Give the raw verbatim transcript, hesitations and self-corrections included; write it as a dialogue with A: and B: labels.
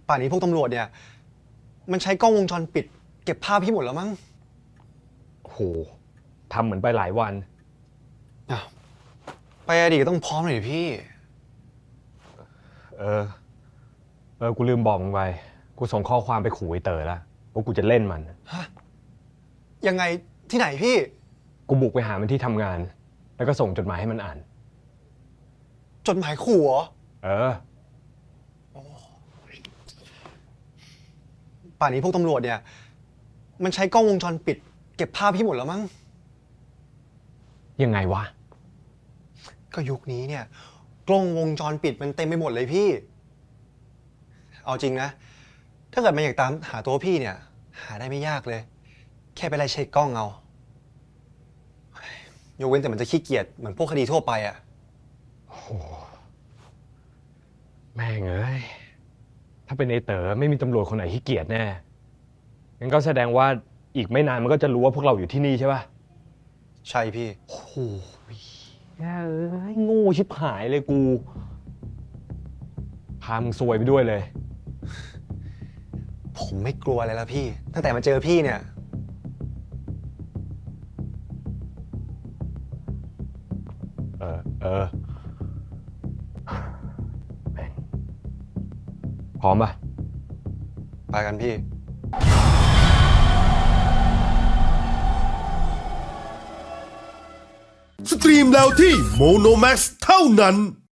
A: ป่านนี้พวกตำรวจเนี่ยมันใช้กล้องวงจรปิดเก็บภาพพี่หมดแล้วมั้ง
B: โหทำเหมือนไปหลายวัน
A: อ้าวไปอดีตก็ต้องพร้อมหน่อยดิพี่
B: เออเออกูลืมบอกมึงไปกูส่งข้อความไปขู่ไอ้เต๋อแล้วว่ากูจะเล่นมัน
A: ฮะยังไงที่ไหนพี่
B: กูบุกไปหามันที่ทำงานแล้วก็ส่งจดหมายให้มันอ่าน
A: จดหมายขู่เหรอ
B: เออ
A: ป่านนี้พวกตำรวจเนี่ยมันใช้กล้องวงจรปิดเก็บภาพพี่หมดแล้วมั้ง
B: ยังไงวะ
A: ก็ยุคนี้เนี่ยกล้องวงจรปิดมันเต็มไปหมดเลยพี่เอาจริงนะถ้าเกิดมันอยากตามหาตัวพี่เนี่ยหาได้ไม่ยากเลยแค่ไปไล่เช็คกล้องเอายกเว้นแต่มันจะขี้เกียจเหมือนพวกคดีทั่วไปอ่ะ
B: โอ้แม่งเอ้ยถ้าเป็นไอ้เต๋อไม่มีตำรวจคนไหนขี้เกียจแน่งั้นก็แสดงว่าอีกไม่นานมันก็จะรู้ว่าพวกเราอยู่ที่นี่ใช่ป่ะ
A: ใช่พี่
B: โอ้โหแย่เอ้ยโง่ชิบหายเลยกูพามึงซวยไปด้วยเลย
A: ผมไม่กลัวอะไรแล้วพี่ตั้งแต่มาเจอพี่เนี่ย
B: เออเออแม่งพร้อมป่ะ
A: ไปกันพี่
C: สตรีมแล้วที่โมโนแม็กซ์เท่านั้น